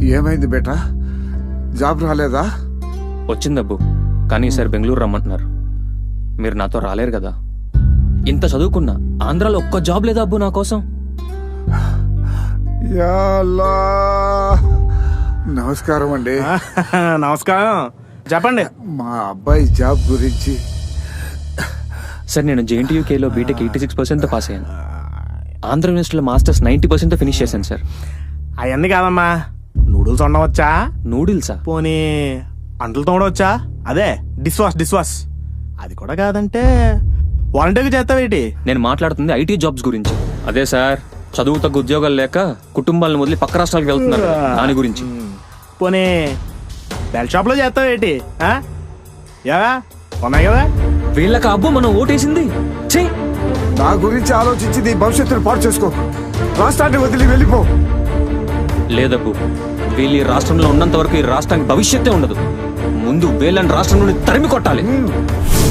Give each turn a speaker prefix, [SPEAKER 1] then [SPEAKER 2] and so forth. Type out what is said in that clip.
[SPEAKER 1] ఏమైంది బేటా? జాబ్ రాలేదా?
[SPEAKER 2] వచ్చిందబ్బు, కానీ ఈసారి బెంగళూరు రమ్మంటున్నారు. మీరు నాతో రాలేరు కదా. ఇంత చదువుకున్నా ఆంధ్రాలో ఒక్క జాబ్ లేదా అబ్బు నా కోసం?
[SPEAKER 1] యా అల్లా. నమస్కారం అండి.
[SPEAKER 3] నమస్కారం, చెప్పండి.
[SPEAKER 1] మా అబ్బాయి జాబ్ గురించి.
[SPEAKER 2] సార్, నేను JNTUKలో బీటెక్ 86% పాస్ అయ్యాను. ఆంధ్ర యూనివర్సిటీలో మాస్టర్స్ 90% ఫినిష్ చేశాను సార్.
[SPEAKER 3] అవన్నీ కాదమ్మా, నూడిల్స్ వండవచ్చా?
[SPEAKER 2] నూడిల్సా?
[SPEAKER 3] పోనీ అంటలు తోడవచ్చా? అదే డిష్ వాష్. అది కూడా కాదంటే వాలంటీర్గా చేస్తావేటి?
[SPEAKER 2] నేను మాట్లాడుతుంది IT జాబ్స్ గురించి. అదే సార్, చదువు తగ్గ ఉద్యోగాలు లేక కుటుంబాలను వదిలి పక్క రాష్ట్రాలకు వెళ్తున్నారు కదా, దాని గురించి.
[SPEAKER 3] పోనీ బెల్ షాప్లో చేస్తావేటి? ఏవా ఉన్నాయి కదా.
[SPEAKER 2] వీళ్ళకి అబ్బు మనం ఓటేసింది. ఛీ!
[SPEAKER 1] నా గురించి ఆలోచించి నీ భవిష్యత్తును పాటు చేసుకో. రాష్ట్రాన్ని వదిలి వెళ్ళిపో.
[SPEAKER 2] లేదబ్బు, వీళ్ళు ఈ రాష్ట్రంలో ఉన్నంత వరకు ఈ రాష్ట్రానికి భవిష్యత్తే ఉండదు. ముందు వీళ్ళని రాష్ట్రం నుండి తరిమి కొట్టాలి.